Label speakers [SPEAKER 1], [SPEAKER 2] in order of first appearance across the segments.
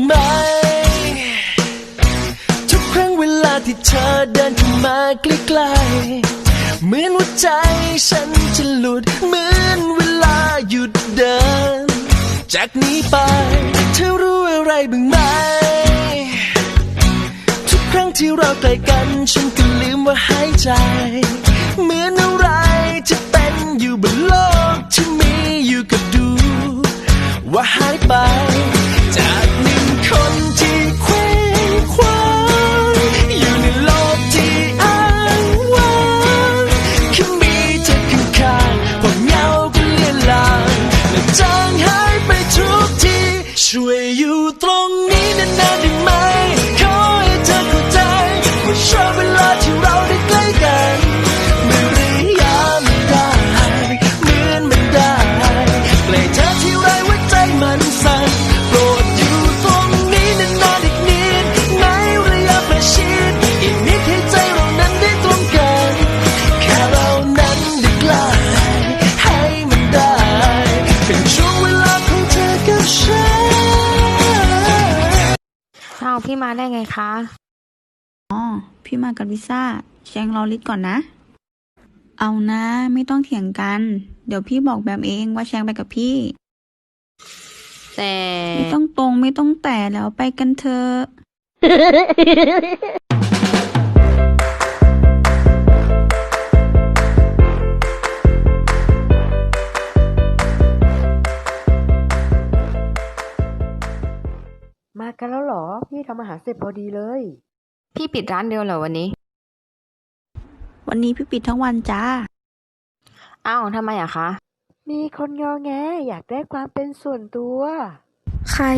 [SPEAKER 1] ไหมทุกครั้งเวลาที่เธอเดินเข้ามาใกล้ๆเหมือนหัวใจฉันจะหลุดเหมือนเวลาหยุดเดินจากนี้ไปเธอรู้อะไรบ้างไหมทุกครั้งที่เราใกล้กันฉันก็ลืมว่าหายใจเหมือนอะไรจะเป็นอยู่บนโลกที่มีอยู่ก็ดูว่าหายไปจากหนึ่งคนที่เคว้งคว้างอยู่ในโลกที่อ้างว้างแค่มีเธอข้างๆความเหงาก็เลือนลางและจางหายไปทุกทีช่วยอยู่ตรงนี้นานๆได้ไหมขอให้เธอเข้าใจว่าชอบเวลาที่เราได้ใกล้กันไม่รียามได้เหมือนมันได้ใกล้เธอที่ไรหัวใจมันสั่นโปรดอยู่ตรงนี้นานๆอีกนิดในระยะประชิดอีกนิดให้ใจเรานั้นได้ตรงกันแค่เรานั้นได้ใกล้ให้มันได้เป็นช่วงเวลาของเธอกับฉัน
[SPEAKER 2] อ้าวพี่มาได้ไงคะ
[SPEAKER 3] อ๋อพี่มากับลิซ่าแชงรอลิศก่อนนะเอานะไม่ต้องเถียงกันเดี๋ยวพี่บอกแบบเองว่าแชงไปกับพี่
[SPEAKER 2] แต่
[SPEAKER 3] ไม่ต้องตรงไม่ต้องแต่แล้วไปกันเถอะ
[SPEAKER 4] มากันแล้วเหรอพี่ทำอาหารเสร็จพอดีเลย
[SPEAKER 2] พี่ปิดร้านเดียวเหรอวันนี้
[SPEAKER 3] พี่ปิดทั้งวันจ้า
[SPEAKER 2] อ้าวทำไมอะคะ
[SPEAKER 4] มีคนงอแงอยากได้ความเป็นส่วนตัว
[SPEAKER 3] ใคร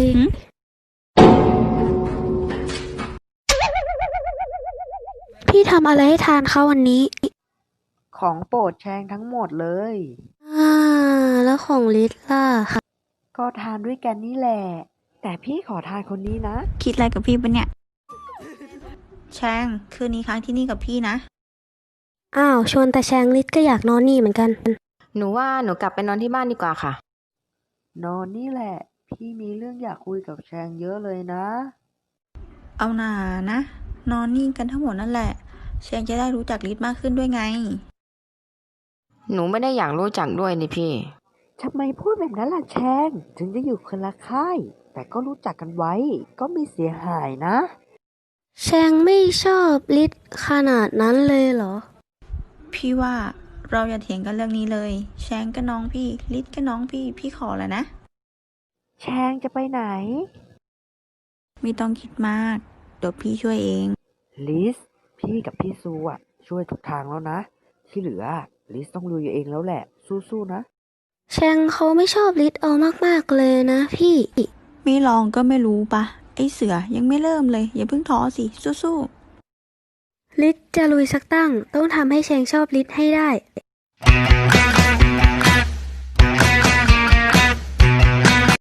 [SPEAKER 5] พี่ทำอะไรให้ทานเขาวันนี้
[SPEAKER 4] ของโปรดแชงทั้งหมดเลย
[SPEAKER 5] แล้วของลิศล่ะ
[SPEAKER 4] ก็ทานด้วยกันนี่แหละแต่พี่ขอทานคนนี้นะ
[SPEAKER 3] คิดอะไรกับพี่ปะเนี่ยแชงคืนนี้ค้างที่นี่กับพี่นะ
[SPEAKER 5] อ้าวชวนแต่แชงลิศก็อยากนอนนี่เหมือนกัน
[SPEAKER 2] หนูว่าหนูกลับไปนอนที่บ้านดีกว่าค่ะ
[SPEAKER 4] นอนนี่แหละพี่มีเรื่องอยากคุยกับแชงเยอะเลยนะ
[SPEAKER 3] เอาหน่านะนอนนี่กันทั้งหมดนั่นแหละแชงจะได้รู้จักลิศมากขึ้นด้วยไง
[SPEAKER 2] หนูไม่ได้อยากรู้จักด้วยนี่พี่
[SPEAKER 4] ทำไมพูดแบบนั้นล่ะแชงถึงจะอยู่คนละค่ายแต่ก็รู้จักกันไว้ก็ไม่เสียหายนะ
[SPEAKER 5] แชงไม่ชอบลิศขนาดนั้นเลยเหรอ
[SPEAKER 3] พี่ว่าเราอย่าเถียงกันเรื่องนี้เลยแชงก็น้องพี่ลิศก็น้องพี่ขอแล้วนะ
[SPEAKER 4] แชงจะไปไหน
[SPEAKER 3] ไม่ต้องคิดมากเดี๋ยวพี่ช่วยเอง
[SPEAKER 4] ลิสพี่กับพี่ซูช่วยทุกทางแล้วนะที่เหลือลิสต้องลุยเองแล้วแหละสู้ๆนะ
[SPEAKER 5] แชงเขาไม่ชอบลิศเอามากๆเลยนะพี่
[SPEAKER 3] ไม่ลองก็ไม่รู้ปะไอเสือยังไม่เริ่มเลยอย่าเพิ่งท้อสิสู้
[SPEAKER 5] ๆลิศจะลุยสักตั้งต้องทำให้แชงชอบลิศให้ได้